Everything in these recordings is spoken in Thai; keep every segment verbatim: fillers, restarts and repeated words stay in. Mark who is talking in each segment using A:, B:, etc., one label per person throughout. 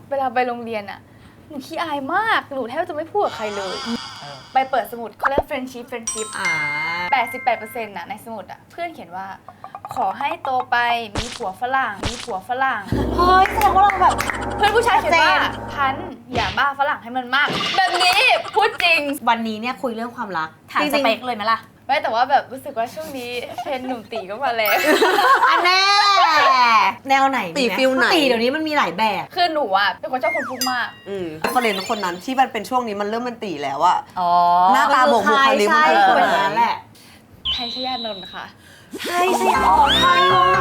A: เวลาไปโรงเรียนอะหนูขี้อายมากหนูแทบจะไม่พูดกับใครเลยไปเปิดสมุดเขาเรียก friendship friendship แปดสิบแปดเปอร์เซ็นต์น่ะในสมุดอะเพื่อนเขียนว่าขอให้โตไปมีผัวฝรั่งมีผัวฝรั่ง
B: เฮ้ยแสดงว่าเราแบบ
A: เพื่อนผู้ชายเขียนว่าพันอย่าบ้าฝรั่งให้มันมากแบบนี้พูดจริง
B: วันนี้เนี่ยคุยเรื่องความรักถามสเปคเลยไหมล่ะ
A: ไม่แต่ว่าแบบรู้สึกว่าช่วงนี้เทรนหนุ่มตีก็มาแล้ว
B: อันแน่แนวไหน
C: ตีฟิลไหน
B: ตีเดี๋ยวนี้มันมีหลายแบบ
A: คือหนูอ่ะเป็นคนชอบคนพูดมาก
C: อืมคนเรียนคนนั้นที่มันเป็นช่วงนี้มันเริ่มมันตีแล้วอะ
B: อ๋อ
C: หน้าตาโบกบุคลิกมัน
B: คือเป็นอย่างนั้นแหละ
A: ไทยชยานนท์ค่ะ
B: ไทยชยานนท์ไทยวะ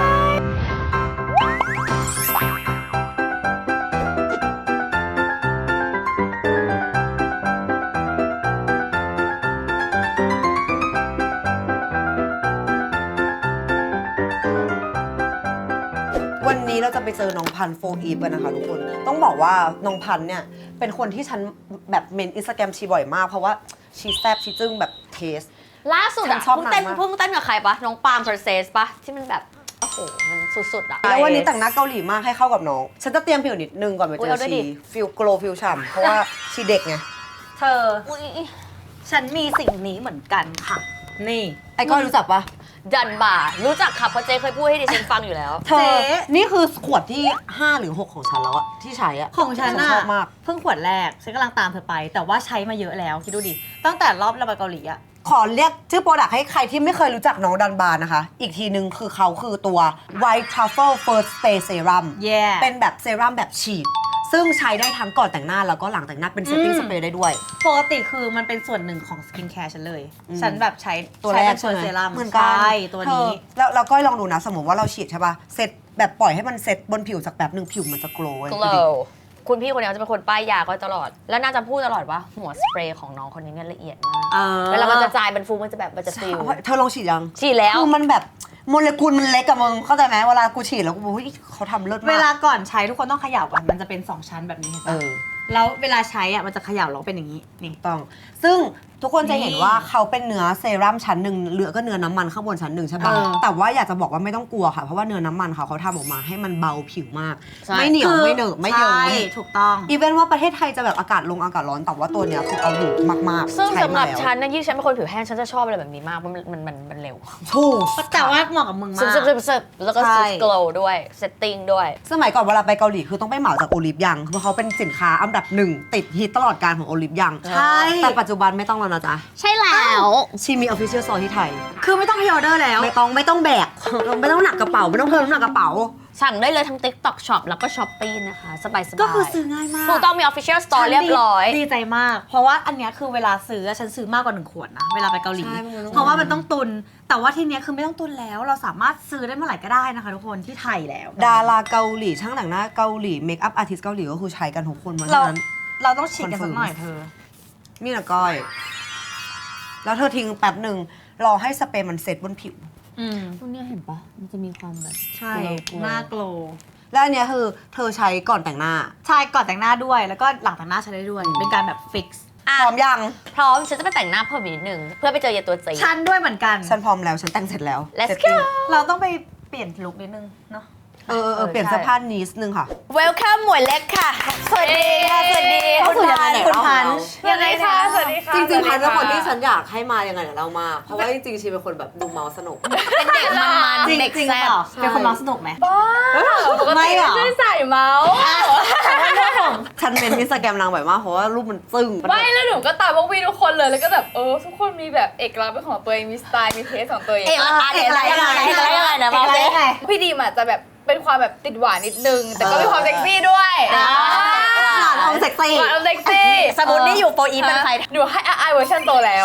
C: วันนี้เราจะไปเจอน้องพันโฟอีฟกันนะคะทุกคนต้องบอกว่าน้องพันเนี่ยเป็นคนที่ฉันแบบเมนอินสตาแกรมชีบ่อยมากเพราะว่าชีแซบชีจึ้งแบบเทส
B: ล่าสุดอะเพิ่งเต้นเพิ่งเต้นกับใครปะน้องปาล์ม Process ปะที่มันแบบโอ้โหมันสุดๆอะ
C: แล้ววันนี้แต่งหน้าเกาหลีมากให้เข้ากับน้องฉันจะเตรียมผิวนิดนึงก่อนไปเจอชีฟิลโกลฟิลฉ่ำเพราะว่าชีเด็กไง
B: เธอฉันมีสิ่งนี้เหมือนกันค่ะนี่
C: ไอ้ก้อยรู้จักปะ
B: ดันบ่ารู้จักค่ะเพราะเจ๊เคยพูดให้ดิฉันฟังอยู่แล้ว
C: เธอนี่คือขวดที่ห้าหรือหกของฉันแล้วอะที่ใช้อะ
B: ของฉันอะ
C: ชอบมาก
B: เพิ่งขวดแรกฉันกำลังตามเธอไปแต่ว่าใช้มาเยอะแล้วคิดดูดิตั้งแต่รอบเราไปเกาหลีอะ
C: ขอเรียกชื่อโปรดักต์ให้ใครที่ไม่เคยรู้จักน้องดันบาร์นะคะอีกทีนึงคือเขาคือตัว White Truffle First Stay Serum
B: yeah.
C: เป็นแบบเซรั่มแบบฉีดซึ่งใช้ได้ทั้งก่อนแต่งหน้าแล้วก็หลังแต่งหน้าเป็นเซตติ้งสเปรย์ได้ด้วย
B: ปกติคือมันเป็นส่วนหนึ่งของสกินแคร์ฉันเลยฉันแบบใช้
C: ตัวแรกใช่ไหม
B: เซรั่ม
C: เหมือนกัน
B: ใช่ตัวนี้
C: แล้วเราก็ลองดูนะสมมติว่าเราฉีดใช่ป่ะเซตแบบปล่อยให้มันเซตบนผิวสักแบบหนึ่งผิวมันจะโกลว์
B: glow คุณพี่คนนี้จะเป็นคนป้ายยาก็ตลอดแล้วน่าจะพูดตลอดว่าหัวสเปรย์ของน้องคนนี้เนี่ยละเอียดมากเวลามันจะจายมันฟูมันจะแบบมันจะฟิล
C: เธอลองฉีดยัง
B: ฉีดแล้ว
C: คือมันแบบโมเลกุลมันเล็กกับมึงเข้าใจไหมเวลากูฉีดแล้วกูบอกว่าเขาทำเลิศมาก
B: เวลาก่อนใช้ทุกคนต้องเขย่าก่อนมันจะเป็นสองชั้นแบบนี้เห็นปะแล้วเวลาใช้อ่ะมันจะเขย่าแล้วเป็นอย่างนี้นี่
C: ต้องซึ่งทุกคนจะเห็นว่าเขาเป็นเนื้อเซรั่มชั้นหนึ่งเหลือก็เนื้อน้ำมันข้างบนชั้นหนึ่งใช่ปะแต่ว่าอยากจะบอกว่าไม่ต้องกลัวค่ะเพราะว่าเนื้อน้ำมันเขาเขาทำออกมาให้มันเบาผิวมากไม่เหนียวไม่เหนอะไม่เยิ้ม
B: ถูกต้อง
C: อีเวนต์ว่าประเทศไทยจะแบบอากาศลงอากาศร้อนแต่ว่าตัวเนี้ยคือเอาอยู่มากๆ
B: ซึ่งสำหรับฉันนะยิ่งฉันเป็นคนผิวแห้งฉันจะชอบอะไรแบบนี้มากเพราะมันมันมันเร็ว
C: ถูก
B: แต่ว่าเหมาะกับมึงมากซึบๆแล้วก็ซึบโกลว์ด้วยเซตติ้งด้วย
C: สมัยก่อนเวลาไปเกาหลีคือต้องไปเหมาจากโอลิฟยังเพราะเขาเป็นสินค้าอันดับหนึ่งติดฮิตตลอดการของโอลิฟยัง
B: ใช่
C: แต่ปัจจุบันไม่ต้องแล้วนะจ๊ะ
B: ใช่แล้ว
C: ชีมี official store ที่ไทย
B: คือไม่ต้องพรีออเดอร์แล้ว
C: ไม่ต้องไม่ต้องแบกไม่ต้องหนักกระเป๋าไม่ต้องเพิ่มน้ำหนักกระเป๋า
B: สั่งได้เลยทั้ง TikTok Shop แล้วก็ Shopee นะคะสบายๆ
C: ก็คือซื้อง่ายมาก
B: ถูกต้องมี Official Store เรียบร้อยดีใจมากเพราะว่าอันเนี้ยคือเวลาซื้อฉันซื้อมากกว่าหนึ่งขวดนะเวลาไปเกาหลีเพราะว่ามันต้องตุนแต่ว่าทีเนี้ยคือไม่ต้องตุนแล้วเราสามารถซื้อได้เมื่อไหร่ก็ได้นะคะทุกคนที่ไทยแล้ว
C: ดาราเกาหลีช่างแต่งหน้าเกาหลีเมคอัพอาร์ติสต์เกาหลีก็คือใช้กันทุกคนมาฉะนั้น
B: เราต้องฉีดกันสักหน่อยเธอ
C: นี่นะก้อยแล้วเธอทิ้งแป๊บหนึ่งรอให้สเปรย์มันเซ็ตบนผิว
B: อืมพวกนี้เห็นปะมันจะมีความแบบใช่หน้าโกลว์
C: แล้วอันเนี้ยคือเธอใช้ก่อนแต่งหน้า
B: ใช่ก่อนแต่งหน้าด้วยแล้วก็หลังแต่งหน้าใช้ได้ด้วยเป็นการแบบฟิกซ์
C: พร้อมยัง
B: พร้อมฉันจะไปแต่งหน้าเพิ่มอีกนิดนึงเพื่อไปเจอเยตัวจีฉันด้วยเหมือนกัน
C: ฉันพร้อมแล้วฉันแต่งเสร็จแล้ว
B: Let's go เราต้องไปเปลี่ยนลุคนิดนึงเนาะ
C: เออเออเปลี่ยนเสื้อผ้านิดนึงค่ะ
B: Welcome หมวยเล็กค่ะสวัสดีค่ะสวัสดีคุณพันคุณพัน
A: ยังไงคะสวัสดีค่ะ
C: จริงๆพันเป็นคนที่ฉันอยากให้มายังไงเดี๋ยวเรามาเพราะว่าจริงๆชีเป็นคนแบบดูเมาสนุก
B: เป็นเด็กมันๆเด็กแซ่บเป็นคนเมาสนุกไหม
A: บ้าปกติไม่ใช่ใส่เมา
C: ฉันเป็นอินสตาแกรมนางแบบมากเพราะว่ารูปมันซึ้ง
A: ไม่แล้วหนูก็ตามพวกพี่ทุกคนเลยแล้วก็แบบเออทุกคนมีแบบเอกลักษณ์เป็นของตัวเองมีสไตล์มีเทสของตัวเอง
B: เอกลักษณ์อะไรยังไงเอกลักษณ์ยังไงนะมาสิ
A: พี่ดีมอาจจะแบบเป็นความแบบติดหวานนิดนึงแต่ก็มีความเซ็กซี่ด้วย
C: หวานอมเซ็กซี่
A: หวานอมเซ็กซี่
B: สมมุตินี่อยู่โฟอีเป็นใคร
A: หนูให้ไอเวอร์ชันโตแล้ว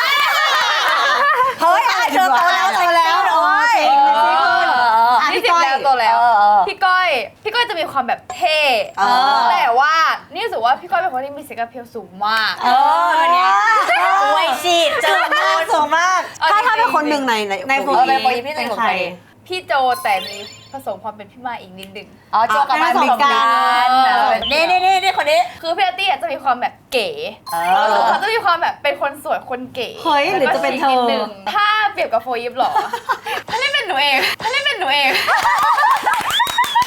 C: เฮ้ยเธอโตแล้วโตแล้วโอ้ย
A: นี่สิบแล้วโตแล้วพี่ก้อยพี่ก้อยจะมีความแบบเท่แต่ว่านี่รู้สึกว่าพี่ก้อยเป็นคนที่มีเซ็กซ์เพลสูงมาก
B: เออวันนี้อวยชีดเจอมากสูงมาก
C: ถ้าถ้าเป็นคนหนึ่งในใน
B: ในโฟอีพี่เป็นใคร
A: พี่โจแต่มีผสมความเป็นพี่มาอีกนิดนึง
B: อ๋อโจกับมาผสมกันนี่นี่นี่นี่คนนี้
A: คือพี่อาร์ตี้จะมีความแบบเก๋เขาจะมีความแบบเป็นคนสวยคนเก๋
B: เฮ้ยหรือจะเป็นเธอ
A: ถ้าเปรียบกับโฟยิปหรอถ้าไม่เป็นหนูเองถ้าไม่เป็นหนูเอง
B: แต่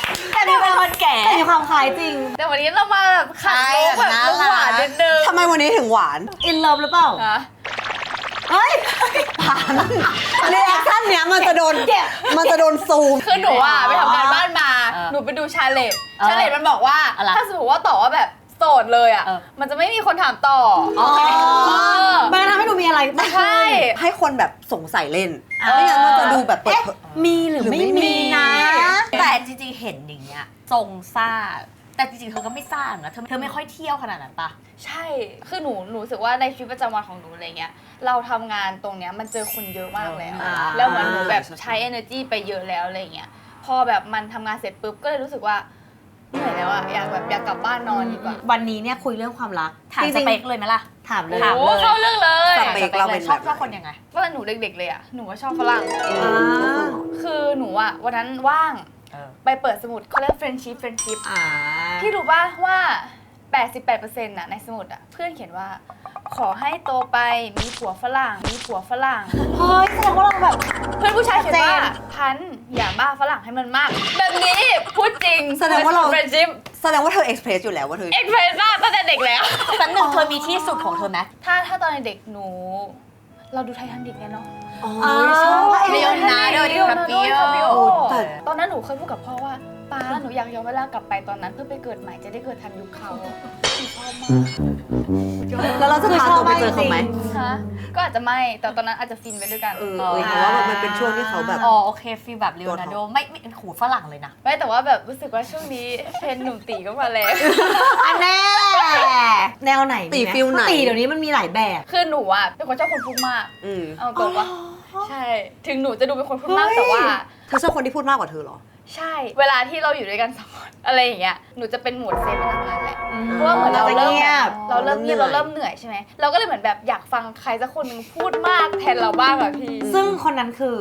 B: มีความแก่มีความคล้ายจริง
A: แต่วันนี้เรามาแบบขัดโลกแบบลูกหวานนิดนึง
C: ทำไมวันนี้ถึงหวาน
B: อินเลิฟหรือเปล่า
A: ฮะ
B: เฮ้ย
C: ผ่านในแอคชั่นเนี้ยมันจะโดนมันจะโดนซูม
A: คือหนูอ่ะไปทำการบ้านมา
B: เออ
A: หนูไปดูชาเลต
B: เออ
A: ชาเลตมันบอกว่า
B: อะไร
A: ถ้าสมมติว่าต่อว่าแบบโสดเลยอ่ะ
B: เออ
A: มันจะไม่มีคนถามต่อ
B: อ๋อ
A: เออ
B: มันทำให้ดูมีอะไรมากขึ้น
A: ใช่
C: ให้คนแบบสงสัยเล่น
B: เออ
C: ไม่งั้นมันจะดูแบบเปิด
B: เอ๊ะ
C: เผย
B: มีหรือ
C: หรือไม่
B: ไม่
C: มี
B: มีนะ
D: แต่จริงๆ เห็นอย่างเงี้ยทรงซ่า แต่จริงๆ เธอก็ไม่ซ่านะเธอเธอไม่ค่อยเที่ยวขนาดนั้นปะ
A: ใช่ คือหนูหนูรู้สึกว่าในชีวิตประจำวันของหนูอะไรเงี้ย เราทำงานตรงเนี้ยมันเจอคนเยอะมากเลยอะ
B: อ่า
A: แล้วเหมือนหนูแบบใช้ energy ไปเยอะแล้วอะไรเงี้ย พอแบบมันทำงานเสร็จปุ๊บก็เลยรู้สึกว่าเหนื่อยแล้วอะอยากแบบอยากกลับบ้านนอนดีกว่า
B: วันนี้เนี่ยคุยเรื่องความรัก
D: ถาม
B: จ
D: ส
B: ริงๆ
D: เปคเลยไหมล่ะ
B: ถามเลย
D: ถาม
A: โอ้เข้าเรื่องเลย
C: สเปคเราเป็น
D: ชอบ
C: แบบ
D: ชอบคนยังไง
A: ว่าหนูเด็กๆเลยอะหนูว่าชอบฝรั่ง
C: อืม
B: อ่า
A: คือหนูอะวันนั้นว่าง
D: เออ
A: ไปเปิดสมุดเขาเรียก friendship friendship
B: อ่า
A: พี่รู้ป่ะว่า แปดสิบแปดเปอร์เซ็นต์ น่ะในสมุดอะเพื่อนเขียนว่า ขอให้โตไปมีผัวฝรั่ง มีผัวฝรั่ง
B: เฮ้ยแสดงว่าเราแบบ
A: เพื่อนผู้ชายเขียนว่า
B: ชัดเจน
A: พันธุ์อย่าบ้าฝรั่งให้มันมาก แบบนี้พูดจริง
C: แสดงว่าเรา
A: เฟรนชิพ
C: แสดงว่าเธอเอ็กเพรสอยู่แล้วว่าเธอ
A: เอ็กเพรสมากตั้งแต่เด็กแล้ว
D: สันหนึ่งเธอมีที่สุดของเธอไหม
A: ถ้าถ้าตอนเด็กหนู เราดูไททานิกไงเนาะ
C: อ๋อ
B: ชอบ
D: เลโอนาร์โด ดิคาปิโอ
C: แต่
A: ตอนนั้นหนูเคยพูดกับพ่อว่าป้าหนูอยากย้อนเวลากลับไปตอนนั้นเพื่อไปเกิดใหม่จะได้เกิดทันยุคเขาหนูชอบมาก
C: แล้วเราจะพาตัวไปเจอเขาไหม
A: ฮะก็อาจจะไม่แต่ตอนนั้นอาจจะฟินไปด้วยกัน
C: เออเออเพราะว่ามันเป็นช่วงที่เขาแบบ
D: อ๋อโอเคฟีลแบบเลโอนาร์โดไม่ไม่หูฝรั่งเลยนะ
A: ไม่แต่ว่าแบบรู้สึกว่าช่วงนี้เทรนด์หนุ่มตีก็มาแล้ว
B: อันแน่แนวไหน
C: ตี
B: มีม
C: ฟิลไหน
B: ตีเดี๋ยวนี้มันมีหลายแบบ
A: คือหนูอะเป็นคนชอบคนพูดมาก
C: อืม
A: เอาตรงว่าใช่ ถึงหนูจะดูเป็นคนพูดมากแต่ว่า
C: เธอชอบคนที่พูดมากกว่าเธอเหรอ
A: ใช่ เวลาที่เราอยู่ด้วยกันสองคนอะไรอย่างเงี้ยหนูจะเป็นโหมดเซฟพลังงานแหละ
B: อืม
A: เพราะว่าเหมือนเราเริ่ม
B: เงียบ
A: เราเริ่มเงียบ
C: เรา
A: เรา
C: เริ่
A: เริ่
C: ม
A: ม
C: เห
A: เห
C: นื่
A: นื่
C: อ
A: อย ยใช่ไหมเราก็เลยเหมือนแบบอยากฟังใครสักคนหนึงพูดมากแทนเราบ้างอะพี่
B: ซึ่งคนนั้นคือ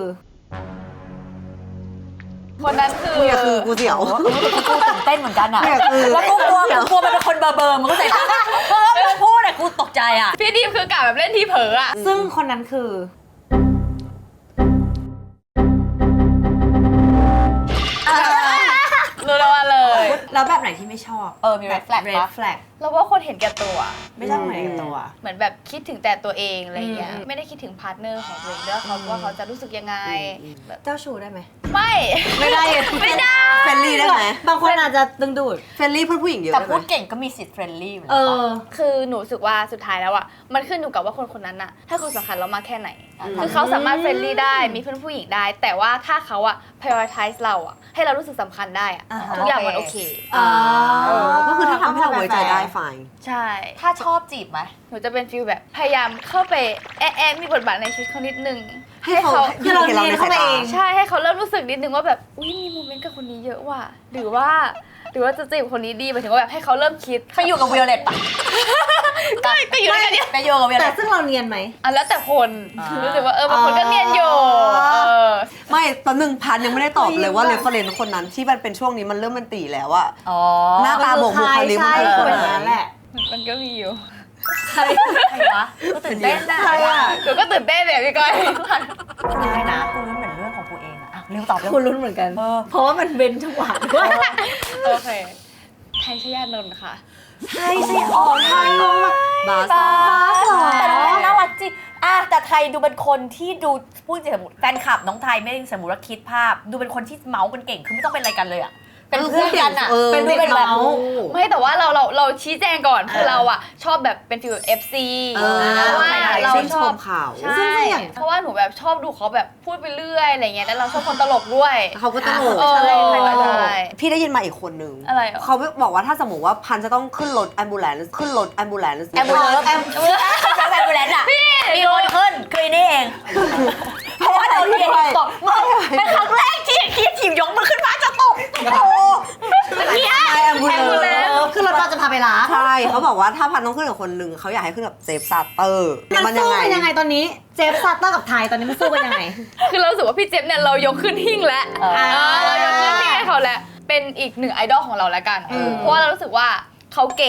A: คนนั้นคือ
C: กูอย่าคือกูเสียว
D: กูตื่นเต้นเหมือนกันอะ
C: เนี่ยคือ
D: แล้วกูกลัวกูกลัวมันเป็นคนเบอร์เบอร์มันก็ใส่เออมันพูดอะกูตกใจอะ
A: พี่ดีมคือกะแบบเล่นที่เผลออะ
B: ซึ่งคนนั้นคือ
A: รู้แล้วว่าเลย
B: แล้วแบบไหนที่ไม่ชอบ
D: เออมี red flag
B: เรด
D: ปะ
B: แฟลก
A: เราว่าคนเห็นแก่ตัว
B: ไม่ชอบไหนกับตัว
A: เหมือนแบบคิดถึงแต่ตัวเองอะไรเงี้ย
B: อืม
A: ไม่ได้คิดถึงพาร์ทเนอร์ของตัวเองด้วยเขาว่าเขาจะรู้สึกยังไง
C: อืม
A: แบบ
B: เจ้าชู้ได้ไหม
A: ไม่
B: ไม่ได้
A: ไม่ได้
C: เฟรนลี่ได้ไหม
B: บางคนอาจจะดึงดูด
C: เฟรนลี่เพื่อนผู้หญิงเยอะ
D: แต่
C: ได้ไห
D: พู
C: ม
D: ดเก่งก็มีสิทธิ์เฟรนลี่
B: เออ
A: คือหนูรู้สึกว่าสุดท้ายแล้วอ่ะมันขึ้นอยู่กับว่าคนคนนั้นน่ะให้ความสำคัญเรามากแค่ไหน
C: อืม
A: คือเขาสามารถเฟรนลี่ได้มีเพื่อนผู้หญิงได้ แต่ว่าถ้าเขาอ่ะ prioritize เราอ่ะให้เรารู้สึกสำคัญได้อ่ะ
B: อ่าฮะ
A: ทุกอย่างมันโอเค
B: อ่า
C: เออก็คือถ้าทำให้เราไว้ใจได้ไฟน์
A: ใช่
D: ถ้าชอบจีบไหม
A: หนูจะเป็นฟิลแบบพยายามเข้าไปแอะแอะมีบทบาทในชีวิตเขานิดนึง
C: ให้เขา
B: คือเรา
C: ห็นเราในสาย
B: เรียนเข้าไป
C: ตา
B: เอง
A: ใช่ให้เขาเริ่มรู้สึกนิดนึงว่าแบบอุ้ยมีโมเมนต์กับคนนี้เยอะว่ะหรือว่า หรือว่าจะจีบคนนี้ดีหมายถึงว่าแบบให้เขาเริ่มคิด
D: เคยอยู่กับวิโอเลตปะ
A: ก็ก็อยู่ด้วยกันเนี่ย
D: ไปอยู่กับวิโอเล
B: แต่
D: ต
B: ซึ่งเราเนียนไหม
A: อ่ะแล้วแต่คน
D: อ่ารู้
A: รู้สึกว่าเออบางคนก็เนียนอยู่
B: อ๋อ
A: เออ
C: ไม่ตอนหนึ่งพันยังไม่ได้ตอบเลยว่า
B: เฮ้
C: เร
B: ย
C: ฟเฟรนซ์คนนั้นที่มันเป็นช่วงนี้มันเริ่มเป็นตีแล้วอะ
D: อ๋อ
C: หน้าตาบอกบุคลิก
B: ใช่
C: มันคือ
B: ใช่
C: คน
B: เป็น
C: ไห
B: อย่างนั้นแห
C: น
B: ละ
A: มันก็มีอยู่
D: ใครใครวะก็ตื่นเต้นนะ
B: ใครอะ
A: หนูก็ตื่นเต้นเลยพี่ก้อย
D: ไม่ได้นะกูรู้เหมือนเรื่องของกูเองอะอ่ะเร็วตอบเร็ว
B: คุณลุ้นเหมือนกัน
D: เออ
B: เพราะว่ามันเป็นจังหวะด้วย
A: โอเคไทยชยานนท์ค่ะ
B: ใช่ใช่อ๋อไทยลงมา
C: บาส
D: บา
B: หรอ
D: แต่น้องน่ารักจริงอ่ะแต่ไทยดูเป็นคนที่ดูพูดจริงสมมติแฟนคลับน้องไทยไม่ได้สมมติว่าคิดภาพ ดูเป็นคนที่เมาส์กันเก่งคือไม่ต้องเป็นอะไรกันเลยอะเป็นเพื่อนกันอะ
C: เออ
D: เป็น
C: เด็ก
D: เป็นแบบ
C: เมา
A: ไม่แต่ว่าเราเราเราชี้แจงก่อนคือเราอ่ะชอบแบบเป็นฟิล เอฟ ซี
C: เออ
A: เพราะว่าเรา
C: ชื่น
A: ช
C: ช
A: อบ
C: มข่าว
A: ใช่เพราะว่าหนูแบบชอบดูเขาแบบพูดไปเรื่อยอะไรเงี้ยแล้วเราชอบคนตลกด้วย
C: เขาก็ตลก
A: เออ
C: ใช่
A: ใช่ใช่
C: พี่ได้ยินมาอีกคนนึง
A: อะไรเหรอ
C: เขาบอกว่าถ้าสมมติว่าพันจะต้องขึ้นรถแอมบูเลนซ์ขึ้นรถแอมบูเลนซ์
D: แอมบูเลนซ์แอมบูเลนซ์แอมบูเลนซ์อะมีคนขึ้นคือนี่เองเพราะว่าเราเรียนตกมันเป็นครั้งแรกที่คิดทีมยกมือขึ้นมาจะตกโอ้
C: ไม่แอมบูเลน
A: ambulance
C: ซ์
B: คือเราจะพาไปร้าน
C: ใช่เขาบอกว่าถ้าพันต้องขึ้นกับคนหนึ่งเขาอยากให้ขึ้นกับเจฟซาเตอร์
B: มันสู้กันยังไงตอนนี้ เจฟซัตเตอร์กับไทยตอนนี้มันสู้กันยังไง
A: คือเรารู้สึกว่าพี่เจฟเนี่ยเรายกขึ้นหิ้งแล้ว
D: เออ
A: เออเรายกขึ้นหิ้งให้เขาแล้วเป็นอีกหนึ่งไอดอลของเราแล้วกัน
B: อืม
A: เพราะว่าเรารู้สึกว่าเขาเก่ง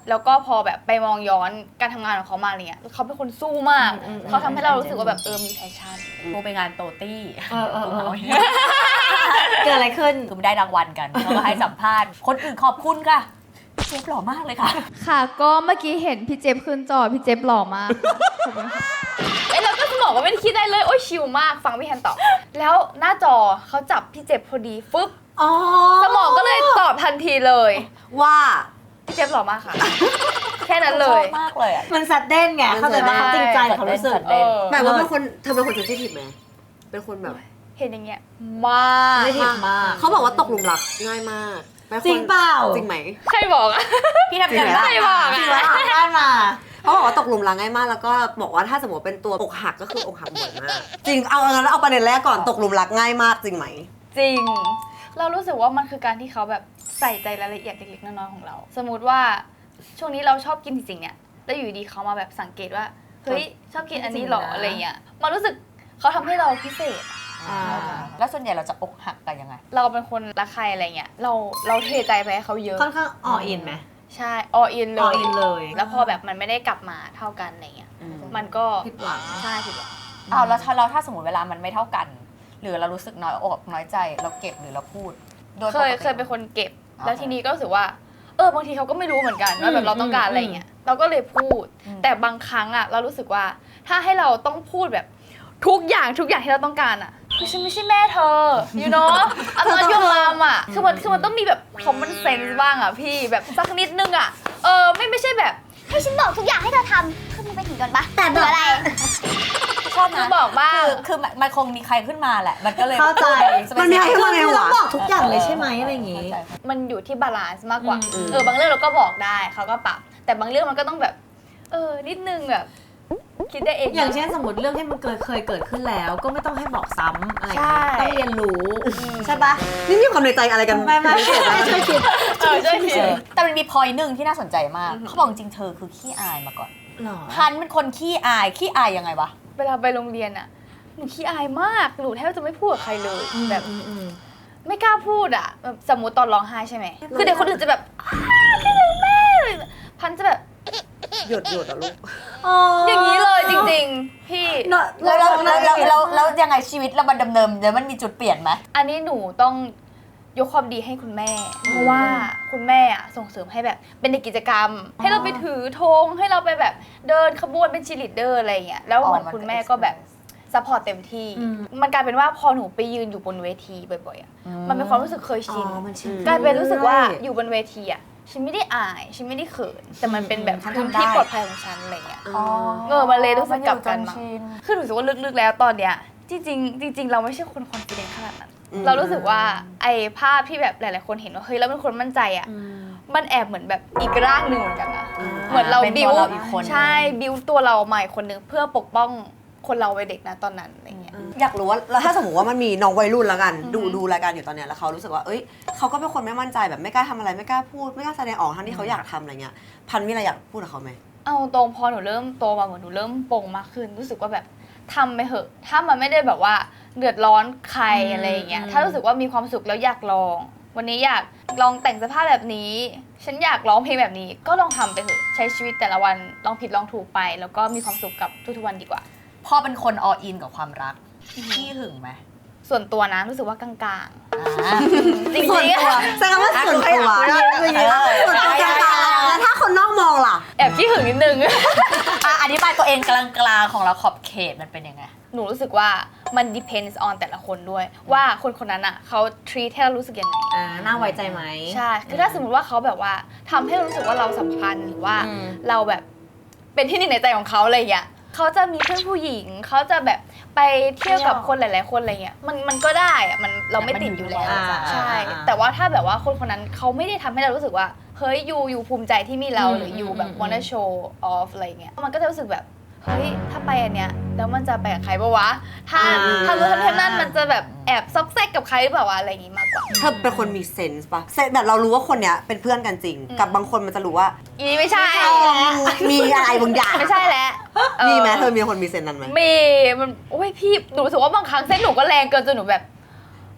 A: แล้วก็พอแบบไปมองย้อนการทำงานของเขามาอะไรเงี้ยเขาเป็นคนสู้มากเขาทำให้เรารู้สึกว่าแบบเออมีแพชชั่น
D: กูไปงานโตตี้
B: เออเออเออ เกิดอะไรขึ้น
D: คือได้รางวัลกันแล้วก็ให้สัมภาษณ์คนอื่นขอบคุณค่ะเจฟหล่อมากเลยค่ะ
A: ค่ะก็เมื่อกี้เห็นพี่เจฟขึ้นจอพี่เจฟหล่อมากขอบคุณค่ะเอ้ยเราก็สมองก็ไม่ได้คิดได้เลยโอ้ยชิลมากฟังพี่แฮนตอบแล้วหน้าจอเขาจับพี่เจฟพอดีฟึ๊บ
B: อ๋อ
A: สมองก็เลยตอบทันทีเลย
C: ว่า
A: พี่เจฟหล่อมากค่ะ แค่นั้นเล
D: ชอย บมากเลยอ่ะ
B: มันสัดเด่นไงเข้าใจว่าเขาจริงใจเขารู้สึก
D: สัดเด่น
A: เออ
C: หมายว่าเป็นคนเธอเป็นคนเซนซิทีฟไหมเป็นคนแบบ
A: เห็นอย่างเงี้ยมาก
B: ไม่ผิดมาก
C: เขาบอกว่าตกหลุมรักง่ายมากเป็นคน
B: จริงเปล่า
C: จริงไหม
A: ใครบอกอะ
D: พี่ทำ
C: จริงไหม
D: ได้
C: ล่ะ
A: ใครบอก
B: จริง
A: อะ
B: ว่าได้มา
C: เขาบอกว่าตกหลุมรักง่ายมากแล้วก็บอกว่าถ้าสมมติเป็นตัวอกหักก็คืออกหักบ่อยมากจริงเอางั้นเอาประเด็นแรกก่อนตกหลุมรักง่ายมากจริงไหม
A: จริง เรารู้สึกว่ามันคือการที่เขาแบบใส่ใจรายละเอียดเล็กๆน้อยๆของเรา สมมุติว่าช่วงนี้เราชอบกินสิ่งๆเนี่ยแล้วอยู่ดีเขามาแบบสังเกตว่าเฮ้ยชอบกินอันนี้หรออะไรเงี้ยมันรู้สึกเขาทำให้เราพิเศษ
B: อ่า
D: แล้วส่วนใหญ่เราจะอกหักกันยังไง
A: เราเป็นคนรักใครอะไรเงี้ยเราเราเทใจไปให้เขาเยอะ
B: ค่อนข้างออินไหม
A: ใช่ออินเล
B: อย อินเลย
A: แล้วพอแบบมันไม่ได้กลับมาเท่ากันอะไรเงี้ยมันก็
B: ผิดหวัง
A: ใช่ผิดหวัง
D: อ้าวแล้วถ้าเราถ้าสมมติเวลามันไม่เท่ากัน หรือเรารู้สึกน้อยอกน้อยใจเราเก็บหรือเราพูดโดย
A: เคย
D: ปกติ
A: เคยเป็นคนเก็บ
D: อ่า
A: แล้วทีนี้ก็รู้สึกว่า เออบางทีเขาก็ไม่รู้เหมือนกันว่าแบบเราต้องการอะไรเงี้ยเราก็เลยพูด แต่บางครั้งอ่ะเรารู้สึกว่าถ้าให้เราต้องพูดแบบทุกอย่างทุกอย่างที่เราต้องการอ่ะคือฉันไม่ใช่แม่เธอ you know I'm not your mom อ่ะคือมันคือมันต้องมีแบบ common sense บ้างอ่ะพี่แบบสักนิดนึงอ่ะเออไม่ไม่ใช่แบบ
E: ให้ฉันบอกทุกอย่างให้เธอทำคือมึงไปถึงก่อนปะแต่เบื่ออะไร
D: ชอบ
A: คื
D: นะ
A: อบอกบ้าง
D: คือคือมันมันคงมีใครขึ้นมาแหละ มันก็เลย
B: เข้าใจ
C: มันมีใครขึ้นมาในหัว
B: ต้องบอกทุกอย่างเลยใช่ไหมอะไรอย่างงี้
A: มันอยู่ที่บาลานซ์มากกว่า
B: อืม
A: เออบางเรื่องเราก็บอกได้เขาก็ปรับ แต่บางเรื่องมันก็ต้องแบบ เออ นิดนึงแบบ คิดได้เอง
B: อย่างเช่นสมมติเรื่องที่มันเกิดเคยเกิดขึ้นแล้ว ก็ไม่ต้องให้บอกซ้ำอะไรอย่าง
A: ใช่
B: เงี้ยต้องเรียนรู้ใช่ปะ
C: นี่มีความในใจอะไรกัน
B: ไม่ไม่ไม่ช่วยคิด
A: เออใช่
D: เอ
A: ใช่
D: อแต่มันมีพอยหนึ่งที่น่าสนใจมาก เขาบอกจริงๆเธอคือขี้อายมาก่อน
B: หรอ
D: พันเป็นคนขี้อาย ขี้อายยังไงวะ
A: เวลาไปโรงเรียนอ่ะ หนูขี้อายมาก หนูแทบจะไม่พูดกับใครเลย แบบ
B: อืมอืม
A: ไม่กล้าพูดอ่ะแบบสมมติตอนร้องไห้ใช่ไหม คือเด็กคนอื่นจะแบบอ้าวคิดถึงแม่พันจะแบบ
C: หยดหยดอะลูก
A: อย่างนี้เลยจริงๆ พี่
D: แล้วแล้วแล้วแล้วแล้วแล้วยังไงชีวิตเรามันดำเนินเดี๋ยวมันมีจุดเปลี่ยนไหม
A: อันนี้หนูต้องยกความดีให้คุณแม่ เพราะว่าคุณแม่อะส่งเสริมให้แบบเป็นในกิจกรรม ให้เราไปถือธงให้เราไปแบบเดินขบวนเป็นชีลิดเดอร์อะไรอย่างเงี้ยแล้วเหมือนคุณแม่ก็แบบซัพพอร์ตเต็มที่ มันกลายเป็นว่าพอหนูไปยืนอยู่บนเวทีบ่อยๆอะมันเป็นความรู้สึกเคยชิน
B: อ๋อมันชิน
A: กลายเป็นรู้สึกว่าอยู่บนเวทีอ่ะฉันไม่ได้อายฉันไม่ได้เขินแต่มันเป็นแบบ
B: ฉัน
A: พื้น
B: ทำได้
A: ที่ปลอดภัยของฉันอะไรเงี้ย
D: อ๋อ
A: เออมันเลยรู้สึกกลับกัน
D: มั
A: มา
D: อยู่จชิน
A: คือหนูรู้สึกว่าลึกๆแล้วตอนเนี้ยจริงๆจริง ๆ เราไม่ใช่คนคอนฟิเดนซ์ขนาดนั้น
C: อืม
A: เรารู้สึกว่าไอ้ภาพที่แบบหลายๆคนเห็นว่าเฮ้ยเราเป็นคนมั่นใจอ่ะมันแอบเหมือนแบบอีกร่างหนึ่งเหมือนกันนะเหมือนเรา
D: เป็น
A: บิ
D: ตัว วเราอีกคน
A: ใช่บิวตัวเราใหม่คนหนึ่งเพื่อปกป้องคนเราวัยเด็กนะตอนนั้นอะไรเงี้ย
C: อยากรู้ว่าแล้วถ้าสมมติว่ามันมีน้องวัยรุ่นแล้วกัน ดูดูรายการอยู่ตอนเนี้ยแล้วเขารู้สึกว่าเอ้ยเขาก็เป็นคนไม่มั่นใจแบบไม่กล้าทำอะไรไม่กล้าพูดไม่กล้าแสดงออกทั้งที่เขาอยากทำอะไรเงี้ยพันมีอะไรอยากพูดกับเขาไหม
A: เอาตรงพอหนูเริ่มโตมาเหมือนหนูเริ่มโปร่งมากขึ้น รู้สึกว่าแบบทำไปเหอะ ถ้ามันไม่ได้แบบว่าเดือดร้อนใครอะไรอย่างเงี้ยถ้ารู้สึกว่ามีความสุขแล้วอยากลอง วันนี้อยากลองแต่งเสื้อผ้าแบบนี้ ฉันอยากร้องเพลงแบบนี้ ก็ลองทำไปเถอะใช้ชีวิตแต่ละวันลองผิดลองถูกไป แล้วก็มีความสุขกับทุกๆวันดีกว่า
D: พ่อเป็นคนออินกับความรักขี้หึงไหม
A: ส่วนตัวนะรู้สึกว่ากลาง
D: อ่า
A: ๆจริง
C: ส่วน
A: ๆ
C: ตัว
A: อะ
C: แสดงว่าส่วนตัว
D: เออ
C: ส่วนตัวกลางๆแล้วถ้าคนนอกมองล่ะ
A: แอบขี้หึงนิดนึง
D: อ่ะอธิบายตัวเองกลางๆของเราขอบเขตมันเป็นยังไง
A: หนูรู้สึกว่ามัน depends on แต่ละคนด้วย ว่าคนคนนั้นอ่ะเขา treat ให้เรารู้สึกยังไง
B: อ่าน่าไว้ใจไหม
A: ใช่ คือถ้าสมมติว่าเขาแบบว่าทำให้เรารู้สึกว่าเราสำคัญหรือว่า
B: อืม
A: เราแบบเป็นที่หนึ่งในใจของเขาอะไรอย่างเงี้ยเขาจะมีเพื่อนผู้หญิง เขาจะแบบไปเที่ยวกับคนหลาย ๆ คนอะไรเงี้ย มันมันก็ได้อะมันเราไม่ติดอยู่แล้ว
B: อ่า
A: ใช่
B: อ่า
A: แต่ว่าถ้าแบบว่าคนคนนั้นเขาไม่ได้ทำให้เรารู้สึกว่า เฮ้ยยูยูภูมิใจที่มีเรา
B: อืม
A: หรือยูแบบ
B: อืม
A: wanna show off อะไรเงี้ย มันก็จะรู้สึกแบบ เฮ้ย ถ้าไปอันเนี้ย แล้วมันจะไปกับใครปะวะ ถ้า
C: อืม
A: ถ้ารู้ทันทีนั่นมันจะแบบแอบซอกแซกกับใครหรือเปล่าวะอะไรอย่างงี้มากกว่า
C: เธอเป็นคนมีเซนส์ปะเซนส์แบบเรารู้ว่าคนเนี้ยเป็นเพื่อนกันจริง กับบางคนมันจะรู้ว่า
A: อีนี่ไม่ใช่
C: มีอะไรบางอย่าง
A: ไม่ใช่แล้ว
C: มีไหมเธอมีคนมีเซนส์นั้นไหม
A: มีมันโอ้ยพี่หนูรู้สึกว่าบางครั้งเส้นหนูก็แรงเกินจนหนูแบบ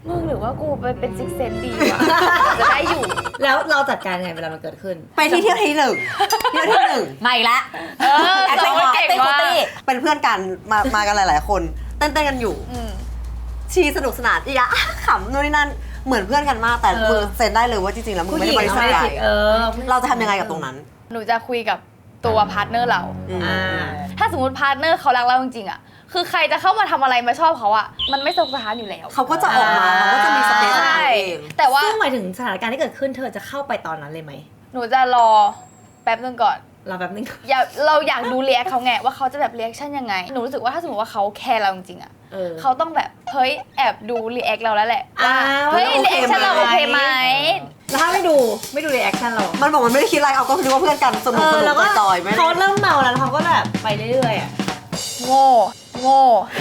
A: มึงหรือว่ากูไปเป็นซิกเซนดีวะ จะได้อยู่
B: แล้วเราจัดการไงเวลามันเกิดขึ้น
C: ไปที่เที่ยวที่หนึ่งเที่ยวที่หนึ่ง
D: ไม่ละ
A: เออ
D: แอค
A: ส
D: เต้
A: อน ง
D: คู
A: คนเก่ง
D: เต้นคู
A: มาก
D: ตี้
C: เป็นเพื่อนกันมามากันหลาย ๆ คนเต้นๆกันอยู่
A: อืม
C: ชีสนุกสนานอีอะขำนู่นนี่นั่นเหมือนเพื่อนกันมากแต่
B: เออ
C: มึงเซ็นได้เลยว่าจริงๆแล้วมึงไม่ได้บริสุทธิ์ใจ
B: เออ
C: เราจะทำยังไงกับตรงนั้น
A: หนูจะคุยกับตัวพาร์ทเนอร์เรา
C: อืม
B: อ่า
A: ถ้าสมมติพาร์ทเนอร์เขารักเราจริงๆอ่ะ คือใครจะเข้ามาทำอะไรมาชอบเขาอ่ะ มันไม่สมสถานอยู่แล้ว
C: เขาก็จะออกมาเขาก็จะมีสเปซของ
A: ใช่
C: เขาเอง
A: แต่ว่า
B: ซึ่งหมายถึงสถานการณ์ที่เกิดขึ้นเธอจะเข้าไปตอนนั้นเลยไหม
A: หนูจะรอแป๊บนึงก่อน
B: เราแบบนึง
A: อย่าเราอยากดูเรียกเขาไงว่าเขาจะแบบเรียกชั่นยังไง หนูรู้สึกว่าถ้าสมมติว่าเขาแคร์เราจริงๆอ่ะ
B: เออ
A: เขาต้องแบบเฮ้ยแอบดูรีแอคเราแล้วแหละว่า
B: อ่า
A: เฮ้ย
C: ว่า
A: รีแอคชั่นเรา
B: โอ
A: โอ
B: เค
A: เค
B: ไห
A: ไห
B: ม
A: ม
B: แล้วถ้าไม่ดูไม่ดูรีแอคชั่นเรา
C: มันบอกมันไม่ได้คิดอะไรเอาก็คิดว่าเพื่อนกันสนุ
B: เอก
C: ส
B: อ
C: นุ
B: แล้ว
C: ก
B: ก็
C: จอยๆไม่
B: เขาเริ่มเมาแล้วแล้วเขาก็แบบไปเรื่อยๆอ่ะ
A: โง่โง่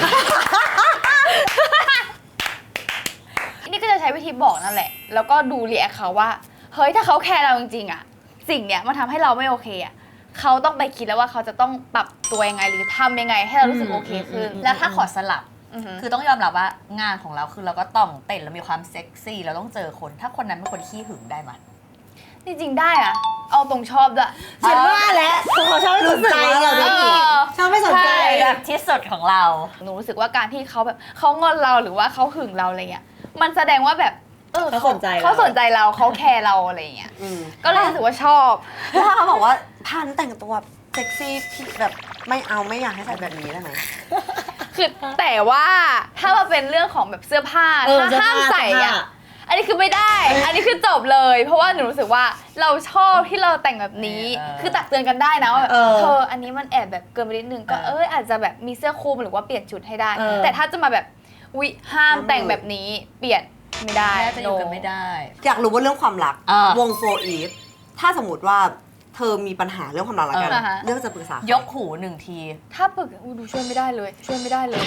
A: นี่ก็จะใช้วิธีบอกนั่นแหละ แล้วก็ดูรีแอคเขาว่า เฮ้ยถ้าเขาแคร์เราจริงๆอะสิ่งเนี้ยมันทำให้เราไม่โอเคอะเขาต้องไปคิดแล้วว่าเขาจะต้องปรับตัวยังไงหรือทำยังไงให้เรารู้สึกโอเคขึ้น
D: แล้วถ้าขอสลับ
A: อือหือ
D: คือต้องยอมรับว่างานของเราคือเราก็ต้องเต้นแล้วมีความเซ็กซี่เราต้องเจอคน ถ้าคนนั้นเป็นคนขี้หึงได้ไหม
A: จริงๆได้อะเอาตรงชอบด้วย
B: ฉันว่าแล้วคือเขาชอบไม่สนใจ
C: รู้สึกว่าเราได้
A: เออ
B: ชอบไม่สนใจ
A: ใช่
D: แบบที่สุดของเรา
A: หนูรู้สึกว่าการที่เขาแบบเขางอนเราหรือว่าเขาหึงเราอะไรเงี้ยมันแสดงว่าแบบเออ
B: เขาสนใจเรา
A: เขาสนใจเราเขาแคร์เราอะไรเงี้ย
C: อืม
A: ก็เลยรู้สึกว่าชอบ
C: แล้วถ้าเขาบอกว่าพันแต่งตัวเซ็กซี่พี่แบบไม่เอาไม่อยากให้ใส่แบบนี้ได้ไหม
A: คือแต่ว่าถ้ามาเป็นเรื่องของแบบเสื้อผ้า
B: เออ
A: ถ้าห้ามใส่
B: เสื้อ
A: อะ
B: ผ้า
A: อันนี้คือไม่ได้ อันนี้คือจบเลย เพราะว่าหนูรู้สึกว่าเราชอบที่เราแต่งแบบนี้
D: เออ
A: คือตักเตือนกันได้นะว่าแบบ
B: เออ
A: เธออันนี้มันแอบแบบเกินไปนิดนึงก็
D: เออ
A: เอยอาจจะแบบมีเสื้อคลุมหรือว่าเปลี่ยนชุดให้ได้
B: เออ
A: แต่ถ้าจะมาแบบวิห้ามแต่งแบบนี้เปลี่ยนไม่ได้
D: แม้จะอยู่กัน
A: no
D: ไม่ได้
C: อยากรู้ว่าเรื่องความรัก
D: เออ
C: วงโฟอีฟถ้าสมมติว่าเธอมีปัญหาเรื่องความรักแล้วกัน
A: เออฮะ
C: เรื่องจะปรึกษาใคร
D: ยกหูหนึ่งที
A: ถ้าปึกอู้ดูช่วยไม่ได้เลย ช่วยไม่ได้เลย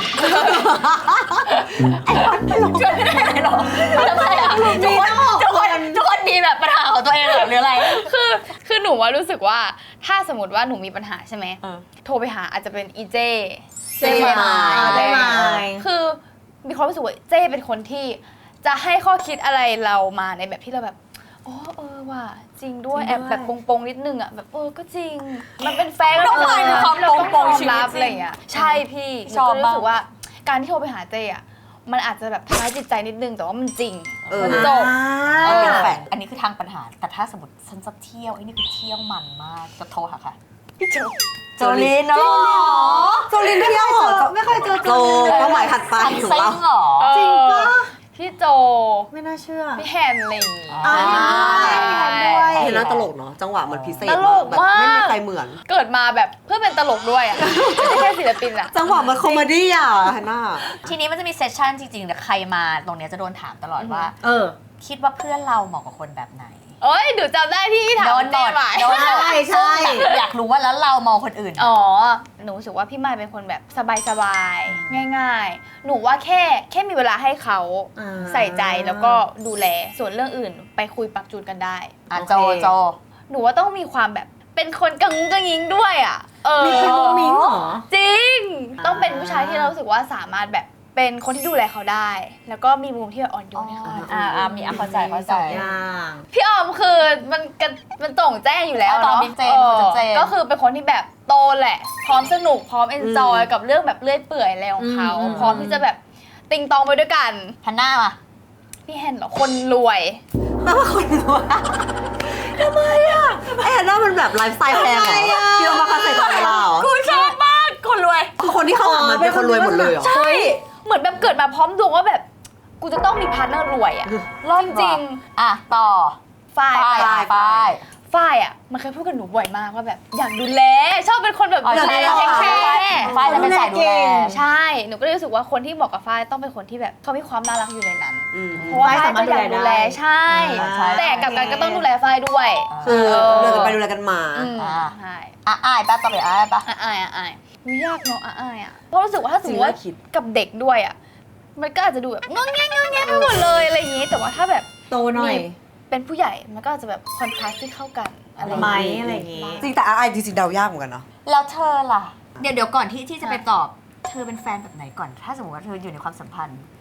D: ช่วยไม่ได้เลยเหรอทำไมอ่ะทุกคนทุกคนทุกคนมีแบบปัญหาของตัวเองเหรอหรืออะไร
A: คือคือหนูว่ารู้สึกว่าถ้าสมมติว่าหนูมีปัญหาใช่ไหม
D: เออ
A: โทรไปหาอาจจะเป็นอีเจ
C: เจ๊มาย
B: เจ๊มาย
A: คือมีความรู้สึกว่าเจ้เป็นคนที่จะให้ข้อคิดอะไรเรามาในแบบที่เราแบบอ๋อเออว่ะจริงด้วย
B: จริงด้วย
A: แอบแบบปงๆนิดนึงอ่ะแบบเออก็จริง มันเป็นแฟน
D: ต้องผ่านความ
A: เราต้อง
D: ปงๆ
A: ยอ
D: ชี
A: ม
D: วิต
A: รับ
D: จริง
A: อะไรอย่างเงี้ยใช่พี่หนู
D: ชอบ
A: ก็รู้สึก
D: มาก
A: ว่าการที่โทรไปหาเจ้อะมันอาจจะแบบทำร้ายจิตใจนิดนึงแต่ว่ามันจริง
C: เออ
A: มันจบ
C: เอาเป็นแฟน
D: อันนี้คือทางปัญหา แต่ถ้าสมมติฉันจะเที่ยวไอ้นี่คือเที่ยวมันมากจะโทรหาค่ะพี่โจโจลินเนาะ
C: โจลินเที่ยวเหรอ
B: ไม่เคยเจอ
C: โจเป้าหมายถัดไป
D: ซัน
C: ของ
D: เซ็ง
C: เรา
D: เหรอ
B: จริงปะ
A: พี่โจ
B: ไม่น่าเชื่อ
A: พี่แฮนอะไรอย่างงี้
D: อ่า
B: ด้วย
C: เห็นน่าตลกเนาะจังหวะมันพิเศษ
A: ตลก
C: แบบไม่มี
A: มาก
C: ใครเหมือน
A: เกิดมาแบบเพื่อเป็นตลกด้วยอ่ะไม่ใช่แค่ศิลปินอ่ะ
C: จังหวะมันคอมเมดี้อ่ะเห็นน่า
D: ทีนี้มันจะมีเซสชั่นจริงๆแต่ใครมาตรงเนี้ยจะโดนถามตลอดว่า
B: เออ
D: คิดว่าเพื่อนเราเหมาะกับคนแบบไหน
A: เอ้ยหนูจำได้ที่ถาม
D: โดนบ
A: เจ๊
D: ด
A: ใหม่
D: โดนบด
B: ใช่ใช่
D: ซึ่งแบบอยากรู้ว่าแล้วเรามองคนอื่น
A: อ๋อ หนูรู้สึกว่าพี่ไมค์เป็นคนแบบสบายๆ ง่ายๆ หนูว่าแค่แค่มีเวลาให้เขา
B: อ่า
A: ใส่ใจแล้วก็ดูแล ส่วนเรื่องอื่นไปคุยปรับจูนกันได้
D: อ่ะ
B: โอเค
D: โจโจ
A: หนูว่าต้องมีความแบบเป็นคนกังงกังยิงด้วยอ่ะ เออ
B: มีเป็นมุ้งมิ้งเหรอ
A: จริง
B: อ่า
A: ต้องเป็นผู้ชายที่เรารู้สึกว่าสามารถแบบเป็นคนที่ดูแลเขาได้ แล้วก็มีมุมที่แบบอ่อนโยนให้เขา
D: อ่าอ่ามีอ่ะเข้าใจเข้าใจ
B: อย่าง
A: พี่ออมคือมันกันมันโจ่งแจ้งอยู่แล้ว
D: เอาตอน
A: เนาะ
D: บิ๊กเจน
A: ออ
D: มันจะเจน
A: ก็คือเป็นคนที่แบบโตแหละ พร้อมสนุกพร้อมเอนจอย
C: อืม
A: กับเรื่องแบบเลื่อยเปื่อยอะไรของเขา
B: อืม
A: พร้อมที่จะแบบติงตองไปด้วยกัน
D: ฮันน่ามา
A: พี่แฮนเหรอคนรวย
C: แปลว่าคนรวยทำไมอ่ะไอ้แอนน่ามันแบบไลฟ์สไตล์แพงเหรอที่เรามาคัดใส่ตัวเราเหรอ
D: กูชอบมากคนรวย
C: คือคนที่เข้ามามันเป็นคนรวยหมดเลยเหรอ
A: ใช่เหมือนแบบเกิดมาพร้อมดวงว่าแบบกูจะต้องมีพาร์ทเนอร์รวยอะรอบจริง
D: อ่ะต่อ
A: ฝ้าย
D: ป้าย
A: ฝ้าย
D: ป้าย
A: ฝ้ายอะมันเคยพูดกับหนูบ่อยมากว่าแบบอยากดูแลชอบเป็นคนแบบ
D: อ๋อ
A: ดู
D: ใช่
A: แล
D: ใช่
A: แค
D: ใช่
A: ร์
D: ป้ายจะเป็นสายดูแล
A: ใช่ หนูก็เลยรู้สึกว่าคนที่เหมาะกับฝ้ายต้องเป็นคนที่แบบเขามีความน่ารักอยู่ในนั้น
C: อืม
A: เพราะว่า
B: ฝ้าย
A: ฝ้าย
B: สามารถ
A: ก็อยาก
B: ดู
A: ดู
B: แล
A: แล
B: ได้
A: ใช่
D: อ่าใช่
A: แต่กลับกันก็ต้องดูแลฝ้ายด้วย
C: คือเดินกันไปดูแลกันมา
A: อืม
D: อ่า
A: ใช่
D: อ่ะอ้ายป้าต่อไปอ้ายป้า
A: อ่ะอายอ่ะอายอุ๊ยยากเนาะอ่ะอายอ่ะเพราะรู้สึกว่าถ้าสมมติว่า
C: จริงแล้วคิด
A: กับเด็กด้วยอ่ะมันก็อาจจะดูแบบงงแงงงงแงไปหมดเลยอะไรอย่างงี้ แต่ว่าถ้าแบบ
B: โตหน่อย
A: มีเป็นผู้ใหญ่มันก็อาจจะแบบคอนทราสต์ที่เข้ากันอะไรอย่าง
B: ไหม
A: งี้
B: อะไรอย่างงี้
C: จริงแต่ไอจริงๆเดายากเหมือนกันเนาะ
D: แล้วเธอล่ะ เดี๋ยวเดี๋ยวก่อนที่ที่จะไปตอบ เธอเป็นแฟนแบบไหนก่อน ถ้าสมมติว่าเธออยู่ในความสัมพันธ์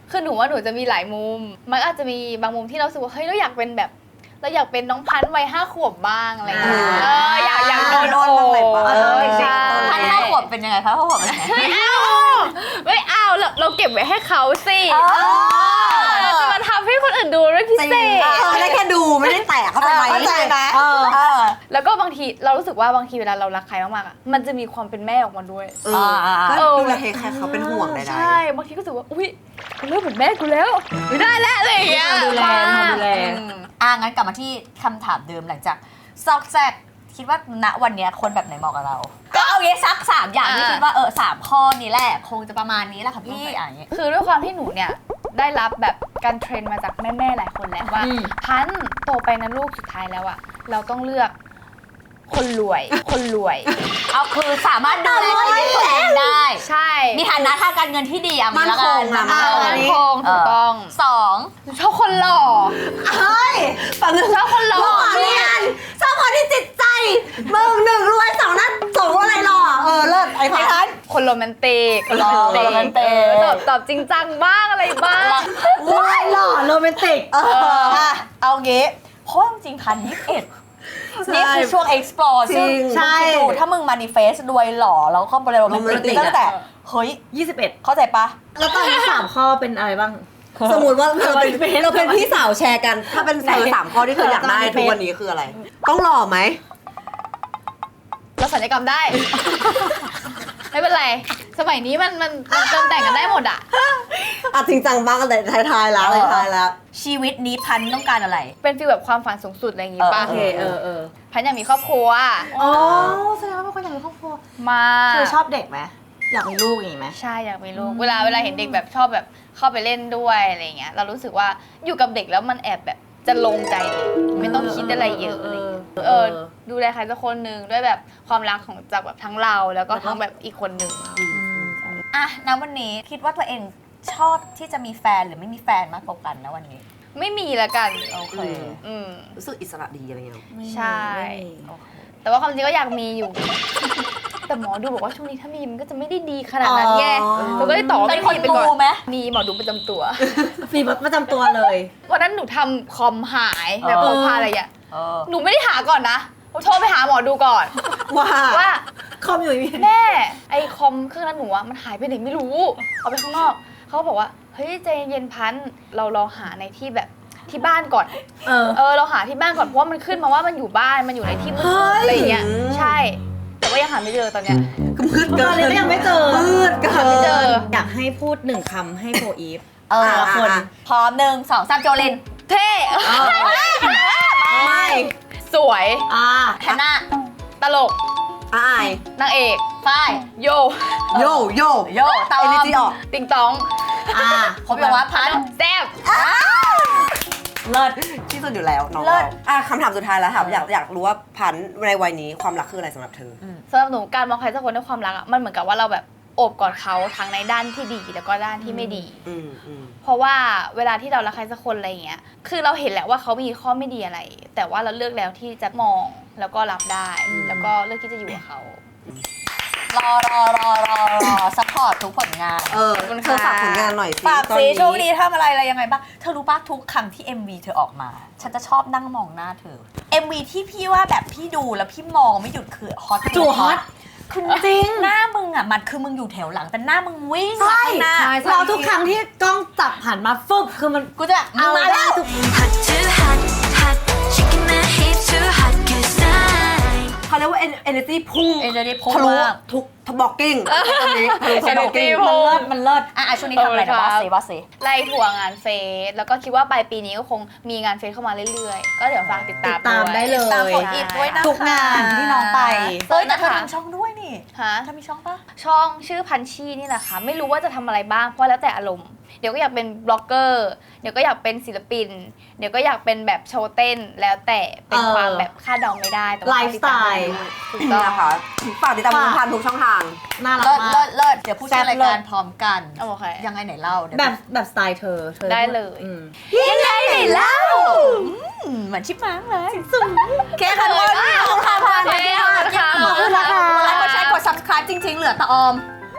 A: คือหนูว่าหนูจะมีหลายมุม มันอาจจะมีบางมุมที่เรารู้สึกว่าเฮ้ยเราอยากเป็นแบบเราอยากเป็นน้องพันธุ์วัยห้าขวบบ้างอะไรอย่างเงี้ย
C: อ่า
A: เอออยากอยากโดน
C: โด
A: โอน
C: บ้างเลยปะ
A: เออใช่
D: พันห้าขวบเป็นยังไงคะห้าขวบเป็นยังไง
A: ไม่เอาไม่เอาเราเราเก็บไว้ให้เขาสิเราจะมาทำให้คนอื่นดูด้วยพิเศษ
C: เออได้แค่ดูไม่ได้แตะเข้าไปไหม
D: เข้าใจไหม
C: เออ
D: เออ
A: แล้วก็บางทีเรารู้สึกว่าบางทีเวลาเรารักใครมากๆอ่ะมันจะมีความเป็นแม่ออกมาด้วย
C: เออ
D: อ่า
C: ก็ดูแลเทคแคร์เขาเป็นห่วงใด
A: ใช่บางทีก็รู้สึกว่าอุ้ยเขาเริ่มเหมือนแม่กูแล้วไม่ได้แล้วอะไรอย่างเงี้ย
B: ดูแล
A: บ้าง
B: ดูแล
A: อืม
D: อ่ะงั้นกลับมาที่คำถามเดิมหลังจากซอกแซกคิดว่าณวันเนี้ยคนแบบไหนเหมาะกับเรา ก็เอาเงี้ยสักสามอย่างที่คิดว่าเออสามข้อนี้แหละคงจะประมาณนี้แหละค่ะพี่อ่ะอย่างเงี้ย
A: คือด้วยความที่หนูเนี่ยได้รับแบบการเทรนมาจากแม่ๆหลายคนแล้วว่า
B: อืม
A: พันธุ์โตไปนะลูกสุดท้ายแล้วอะเราต้องเลือกคนรวย คนรวย
D: เอาคือสามารถดูแลชีวิตตัวเองได้
A: ใช่
D: มีฐานะทางการเงินที่ดีอ่ะ
C: มั่นคง
D: ละ
C: อะ
D: กั
A: มั่นคงถูกต้อง
D: สอง
A: หนูชอบคนหล่อ
C: เฮ้ยฝั่งนึง
A: ชอบคนหล่อ
C: หล่อเรียนชอบคนที่จิตใจมึงหนึ่งรวยสองนั้นสองอะไรหล่อเออเลิศไอ้พัน
A: คนโรแมนติก
D: หล่อโรแมนติก
A: ตอบตอบจริงจังบ้างอะไรบ้าง
B: ว้ายหล่อโรแมนติก
C: เออ
D: อ่ะเอางี้เพราะจริงๆพันยี่สิบเอ็ดนี่คือช่วง explore ซึ่ง
C: จริง
D: ใช่ดูถ้ามึง manifest รวยหล่อแล้วก็บริโภค
C: romantic
D: ตั้งแต่เฮ้ย
B: ยี่สิบเอ็ด
D: เข้าใจปะ
B: แล้วตอนนี้สามข้อเป็นอะไรบ้าง
C: สมมติว่าเราเป็น
B: เราเป็น
C: เราเป็นพี่สาวแชร์กัน ถ้าเป็นเธอสามข้อที่เธออยากได้ทุกวันนี้คืออะไร ต้องหล่อไหม
A: เราสัญญกรรมได้ ไม่เป็นไร สมัยนี้มันมันมันเติมแต่งกันได้หมดอะ
C: อ่ะจริงจังบ้างกันแต่ท้ายๆแล้วท้ายๆแล้ว
D: ชีวิตนี้พันต้องการอะไร
A: เป็นฟีลแบบความฝันสูงสุดอะไรอย่างงี้ป่ะ
B: โอเคเออเออ
A: พันอยากมีครอบครัว
B: อ๋อแสดงว่าเป็นคนอยากมีครอบครัว
A: มา
B: คือชอบเด็กไหมอยากมีลูกอย่างงี้ไหม
A: ใช่อยากมีลูก เวลาเวลาเห็นเด็กแบบชอบแบบเข้าไปเล่นด้วยอะไรเงี้ย เรารู้สึกว่าอยู่กับเด็กแล้วมันแอบแบบจะลงใจเลยไม่ต้องคิดอะไรเยอะอะไรเงี้ยเออ ดูแลใครสักคนหนึ่งด้วยแบบความรักของจากแบบทั้งเราแล้วก็ทั้งแบบอีกคนหนึ่ง
D: อ่ะณวันนี้คิดว่าตัวเองชอบที่จะมีแฟนหรือไม่มีแฟนมากกว่ากันนะวันนี้
A: ไม่มีละกัน
D: โอเค
A: อืม
C: รู้สึกอิสระดีอะไรเงี้ย
A: ใช่ แต่ว่าความจริงก็อยากมีอยู่ แต่หมอดูบอกว่าช่วงนี้ถ้ามีมันก็จะไม่ได้ดีขนาดนั้นไง
B: อ๋อ
A: เราก็เลยตอบว่า
D: เป็
A: ไม่
D: นคน
A: มีไปก่อน
D: มูไหม
A: มีหมอดูประจำตัว
B: ฟีประจำตัวเลย
A: วันนั้นหนูทำคอมหายแบบ
D: เอ
A: พ
D: อ
A: กพาอะไรอย่าง
D: เออ
A: หนูไม่ได้หาก่อนนะผมโทรไปหาหมอดูก่อน
C: ว่า
A: ว่า
B: คอมอยู่นี่
A: แม่ไอคอมเครื่องนั้นหนูอะมันหายไปไหนไม่รู้ เอาไปข้างนอก เขาก็บอกว่าเฮ้ยใจเย็นพันธุ์เราลองหาในที่แบบที่บ้านก่อน
B: เออ
A: เออเราหาที่บ้านก่อนเพราะว่ามันขึ้นมาว่ามันอยู่บ้านมันอยู่ในที่มืด
B: เฮ้ย
A: อะไรอย่างเงี้ยใช่ แต่ว่ายังหาไม่เจอตอนเนี้ย
C: มืดเกิ
B: ตอน
C: น
B: นี้ก็ยังไม่เจอ
C: มืดเกิ
A: หาไม่เจอ
C: น
B: อยากให้พูดหนึ่งคำให้โฟอีฟ
D: เออ
B: แต่ละคน
D: พร้อมหนึ่งสองสามโจลิน
A: เท่
C: ไม่
A: สวย
B: อ่า
D: แฮนน่า
A: ตลก
C: อาย
A: นางเอก
D: ฝ้าย
A: โย
C: โยโย
D: โยตอ
C: เอ
D: ม
C: เนจีออก
A: ติงตอง
B: อ่า
D: ผมบอกว่าพัน
A: แซ่บ
B: เลิศ
C: ที่สุดอยู่แล้วน้อง
D: เลิศ
C: อ่ะคำถามสุดท้ายแล้วค่ะอยากอยากรู้ว่าพันธุ์ในวัยนี้ความรักคืออะไรสำหรับเธอ
A: สำหรับหนูการมองใครสักคนด้วยความรักอะมันเหมือนกับว่าเราแบบโอบกอดเขาทั้งในด้านที่ดีแล้วก็ด้านที่ไม่ดี
C: อืมอืม
A: เพราะว่าเวลาที่เรารักใครสักคนอะไรอย่างเงี้ย คือเราเห็นแหละว่าเขามีข้อไม่ดีอะไร แต่ว่าเราเลือกแล้วที่จะมองแล้วก็รับได้ แล้วก็เลือกที่จะอยู่กับเขา
D: รอรอรอรอรอซัพพอร์ตทุกผลงาน
C: เออ
A: ขอบคุณ
C: เธอ
A: ค่ะ
C: ฝากผลงานหน่อยสิ
D: ฝาก
C: ตอน
D: ซี
C: นี้
D: ช่วงนี้ทำอะไรอะไรยังไงบ้าง เธอรู้ป่ะทุกครั้งที่ เอ็ม วี เธอออกมา ฉันจะชอบนั่งมองหน้าเธอ เอ็ม วี ที่พี่ว่าแบบพี่ดูแล้วพี่มองไม่หยุดคือฮอต
B: จู่ฮอต
D: คือจริงหน้ามึงอ่ะมันคือมึงอยู่แถวหลังแต่หน้ามึงวิ่งมาข้างหน้า
B: เราทุกครั้งที่กล้องจับหันมาฟึบคือมัน
D: กูจะแบบมึงมาแล้ว
B: ทุก
F: Hot too hot, hot, shaking my hips too hot, cause I
C: เขาเรียกว่า energy พุ่ง
D: energy พุ่ง
C: ทะลุ
D: มาก
C: ทุกทบล็อกกิ้งตอนนี้ทะลุทบล็อกกิ้ง
A: energy พุ่ง
B: มันเลิศมันเลิศ
D: อ่ะอ่ะช่วงนี้ทำอะไรนะบอสซีบอสซี
A: ไล่ทัวร์งานเฟสแล้วก็คิดว่าปลายปีนี้ก็คงมีงานเฟสเข้ามาเรื่อยๆ ก็เดี๋ยวฝากติดตาม
B: ติดตาม
A: วย
B: ได้เลย
D: ตามของอีฟด้วยนะคะ
B: ทุกงานที่น้องไป
D: เฮ้ยแต่เธอทำช่องด้วยนี่
A: ฮะ
D: เธอมีช่องปะ
A: ช่องชื่อพันชีนี่แหละค่ะ ไม่รู้ว่าจะทำอะไรบ้างเพราะแล้วแต่อารมณ์ เดี๋ยวก็อยากเป็นบล็อกเกอร์ เดี๋ยวก็อยากเป็นศิลปิน เดี๋ยวก็อยากเป็นแบบโชว์เต้น แล้วแต่เป็น
B: เออ
A: ความแบบคาดเดาไม่ได้แต่ว่า
B: ไลฟ์สไตล์
A: ถูกต้อง
C: นะคะฝากติดตามคุณพันธุ์ทุกช่องทาง
B: น่ารัก
D: เลิศ
B: มา
D: เลิ
B: ก
D: ศเลิศเดี๋ยวพูดชื่อรายการพร้อมกัน
A: โอเค
D: ยังไงไหนเล่าเดี๋ยว
B: แบบแบบสไตล์เธอเธอ
A: ได้เลย
B: อืม
D: ยังไงไหนเล่าอืมเหมือนชิปมังเลยแค่คันวันขอบคุณค่ะพัน
A: เย้ขอบคุณค่ะ
D: ขอบคุณค่ะกดไลค์กดแชร์กด subscribe จริง ๆ เหลือตะออม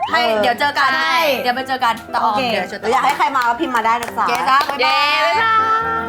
D: ให้เดี๋ยวเจอกัน
B: ใช่
D: เดี๋ยวไปเจอกันแต่ออม
B: โอเค
D: เดี๋ยวจะ
C: อยากให้ใครมาก็พิมพ์มาได้นะจ๊ะ
D: เกจ้าบ๊าย
A: เย้
D: บาย
A: บ๊ายบาย